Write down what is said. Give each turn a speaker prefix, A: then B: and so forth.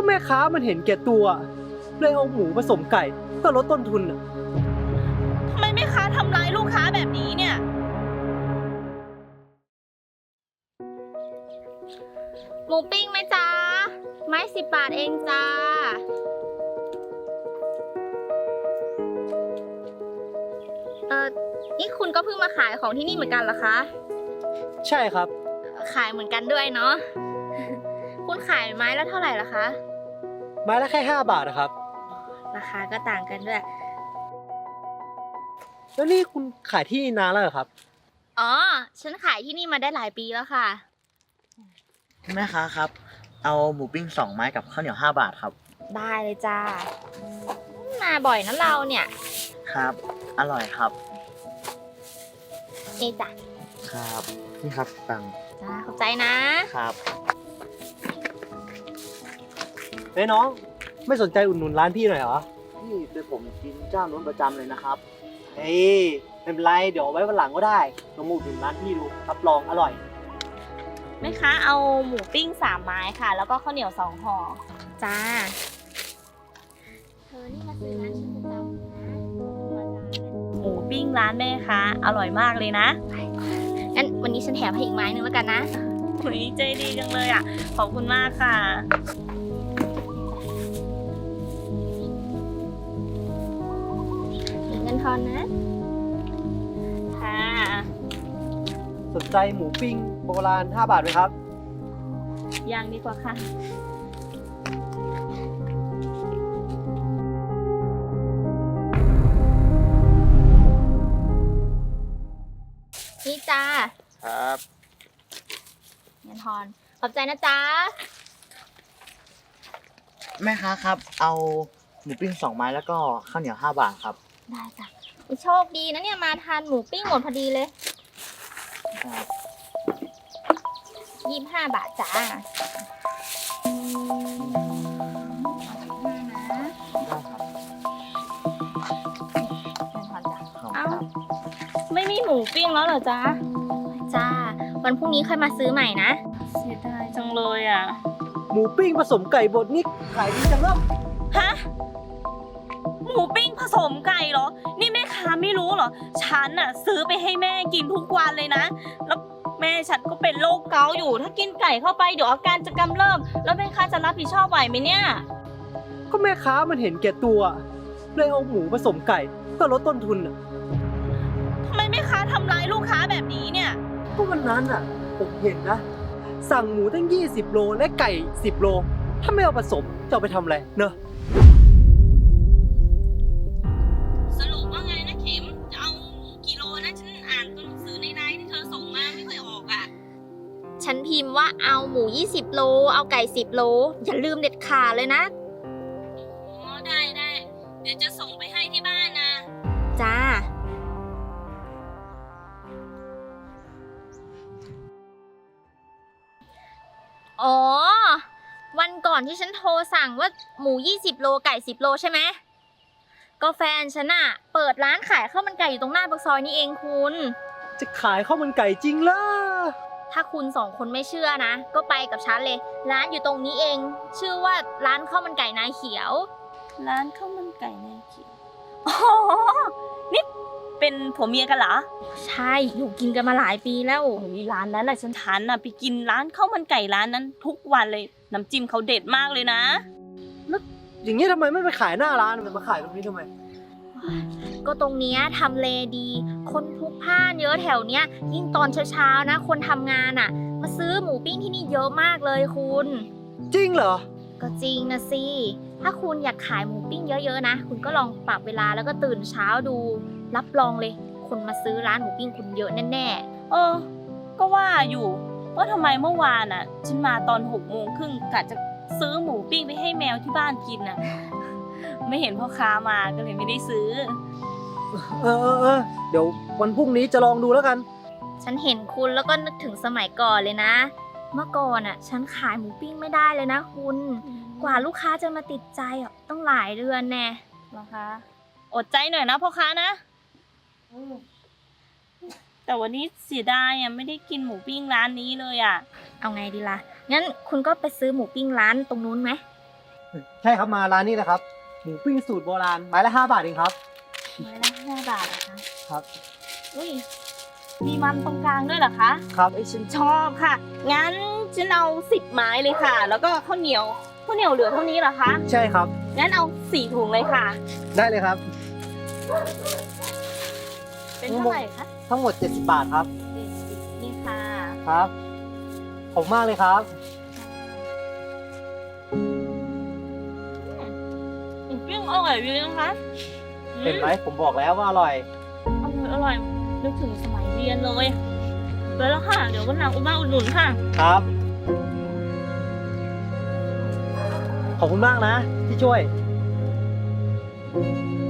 A: แม่ค้ามันเห็นแก่ตัวเลยเอาหมูผสมไก่เพื่อลดต้นทุนอ่ะ
B: ทำไมแม่ค้าทำร้ายลูกค้าแบบนี้เนี่ย
C: หมูปิ้งไหมจ๊ะไม้10 บาทเองจ้านี่คุณก็เพิ่งมาขายของที่นี่เหมือนกันเหรอคะ
A: ใช่ครับ
C: ขายเหมือนกันด้วยเนาะคุณขายไม้ละเท่าไหร่ล่ะคะ
A: ไม้ละแค่5 บาทนะครับ
C: ราคาก็ต่างกันด้วย
A: แล้วนี่คุณขายที่นานแล้วเหรอครับ
C: อ๋อฉันขายที่นี่มาได้หลายปีแล้วค่ะ
D: แม่ค้าครับเอาหมูปิ้ง2 ไม้กับข้าวเหนียว5 บาทครับ
C: ได้เลยจ้ามาบ่อยนะเราเนี่ย
D: ครับอร่อยครับ
C: นี่จ้ะ
D: ครับนี่ครับตังค์
C: จ้าขอบใจนะครับ
A: เฮ้ยน้องไม่สนใจอุดหนุนร้านพี่หน่อยเหรอ
D: พี่เป็นผมกินเจ้านู้นประจำเลยนะครับ
A: เฮ้ยไม่เป็นไรเดี๋ยวไว้วันหลังก็ได้ลองมาอุดหนุนร้านพี่ดูรับรองอร่อย
B: แม่ค้าเอาหมูปิ้ง3 ไม้ค่ะแล้วก็ข้าวเหนียว2 ห่อ
C: จ้าเธอนี่มาซื้อร้านฉันประจำนะ
B: หมูปิ้งร้านแม่ค้าอร่อยมากเลยนะ
C: งั้นวันนี้ฉันแถมให้อีกไม้หนึ่งแล้วกันนะ
B: หุยใจดีจังเลยอ่ะขอบคุณมากค่ะ
C: เงินทอนนะ
B: ค่ะ
A: สนใจหมูปิ้งโบราณ5 บาทไหมครับ
B: ยังดีกว่าค่ะ
C: นี่จ้า
D: ครับ
C: เงินทอนขอบใจนะจ๊ะ
D: แม่ค้าครับเอาหมูปิ้ง2 ไม้แล้วก็ข้าวเหนียว5 บาทครับ
C: ได้จ้ะโชคดีนะเนี่ยมาทานหมูปิ้งหมดพอดีเลย
D: ครับ
C: 25 บาทจ้า
B: ไม่มีหมูปิ้งแล้วเหรอจ๊ะ
C: จ้าวันพรุ่งนี้ค่อยมาซื้อใหม่นะ
B: เสียดายจังเลยอ่ะ
A: หมูปิ้งผสมไก่บดนี่ขายดีจังเนาะ
B: ฮะหมูปิ้งผสมไก่เหรอนี่แม่ค้าไม่รู้เหรอฉันน่ะซื้อไปให้แม่กินทุกวันเลยนะแล้วแม่ฉันก็เป็นโรคเกาต์อยู่ถ้ากินไก่เข้าไปเดี๋ยวอาการจะกำเริบแล้วแม่ค้าจะรับผิดชอบไหวไหมเนี่ย
A: ก็แม่ค้ามันเห็นแก่ตัวเลยเอาหมูผสมไก่เพื่อลดต้นทุนอ่ะ
B: ทำไมแม่ค้าทำร้ายลูกค้าแบบนี้เนี่ย
A: ก็วันนั้นอ่ะผมเห็นนะสั่งหมูตั้ง20 โลและไก่10 โลถ้าไม่เอาผสมจะเอาไปทำอะไรเนอะ
B: สรุปว่าไงนะเข็มจะเอาหมูกี่โลนะฉันอ่านตัวหนังสือในไลน์ที่เธอส่งมาไม่เคยออกอ่ะ
C: ฉันพิมพ์ว่าเอาหมู20 โลเอาไก่10 โลอย่าลืมเด็ดขาดเลยนะ
B: อ๋อได้เดี๋ยวจะส่งไปให้ที่บ้านนะ
C: จ้าอ๋อวันก่อนที่ฉันโทรสั่งว่าหมู20 โลไก่10 โลใช่ไหมก็แฟนฉันอะเปิดร้านขายข้าวมันไก่อยู่ตรงหน้าปากซอยนี่เองคุณ
A: จะขายข้าวมันไก่จริงเหรอ
C: ถ้าคุณ2 คนไม่เชื่อนะก็ไปกับฉันเลยร้านอยู่ตรงนี้เองชื่อว่าร้านข้าวมันไก่นายเขียว
B: ร้านข้าวมันไก่นายเขียวอ๋อนี่เป็นผัวเมียกันเหรอ
C: ใช่อยู่กินกันมาหลายปีแล้ว
B: มีร้านนั้นแหละฉันทานน่ะไปกินร้านข้าวมันไก่ร้านนั้นทุกวันเลยน้ำจิ้มเขาเด็ดมากเลยนะ
A: แล้วอย่างนี้ทำไมไม่ไปขายหน้าร้านมันมาขายตรงนี้ทำไม
C: ก็ตรงเนี้ยทำเลดีคนพลุกพล่านเยอะแถวเนี้ยยิ่งตอนเช้าๆนะคนทำงานอ่ะมาซื้อหมูปิ้งที่นี่เยอะมากเลยคุณ
A: จริงเหรอ
C: ก็จริงนะสิถ้าคุณอยากขายหมูปิ้งเยอะๆนะคุณก็ลองปรับเวลาแล้วก็ตื่นเช้าดูรับรองเลยคนมาซื้อร้านหมูปิ้งคุณเยอะแน่
B: ๆก็ว่าอยู่ว่าทำไมเมื่อวานอ่ะฉันมาตอน6:30กะจะซื้อหมูปิ้งไปให้แมวที่บ้านกินน่ะไม่เห็นพ่อค้ามาก็เลยไม่ได้ซื้อ
A: เดี๋ยววันพรุ่งนี้จะลองดูแล้วกัน
C: ฉันเห็นคุณแล้วก็นึกถึงสมัยก่อนเลยนะเมื่อก่อนอ่ะฉันขายหมูปิ้งไม่ได้เลยนะคุณกว่าลูกค้าจะมาติดใจอ่ะต้องหลายเดือนแน่
B: เหรอคะอดใจหน่อยนะพ่อค้านะแต่วันนี้เสียดายอ่ะไม่ได้กินหมูปิ้งร้านนี้เลยอ่ะ
C: เอาไงดีล่ะงั้นคุณก็ไปซื้อหมูปิ้งร้านตรงนู้นไหม
A: ใช่ครับมาร้านนี้นะครับ หมูปิ้งสูตรโบราณไม้ละ5 บาทเองครับ
B: ไม้ละ5 บาทเหรอคะ
A: ครับ
B: อุ้ยมีมันตรงกลางด้วยเหรอคะ
A: ครับ
B: เอ้ยฉันชอบค่ะ งั้นฉันเอา10 ไม้เลยค่ะ แล้วก็ข้าวเหนียวเหลือเท่านี้เหรอคะ
A: ใช่ครับ
B: งั้นเอา4 ถุงเลยค่ะ
A: ได้เลยครับ
B: เป็นเท่าไหร่คะ
A: ทั้งหมด 70 บาทครับ
B: 70นี่ค่ะ
A: ครับ ขอบคุณมากเลยครับ
B: หมูปิ้งอร่อยดีนะคะ
A: เห็นไหมผมบอกแล้วว่าอร่อย
B: อร่อยนึกถึงสมัยเรียนเลยไปแล้วค่ะ เดี๋ยววันหลังอุมาอุดหนุนค่ะ
A: ครับ ขอบคุณมากนะที่ช่วย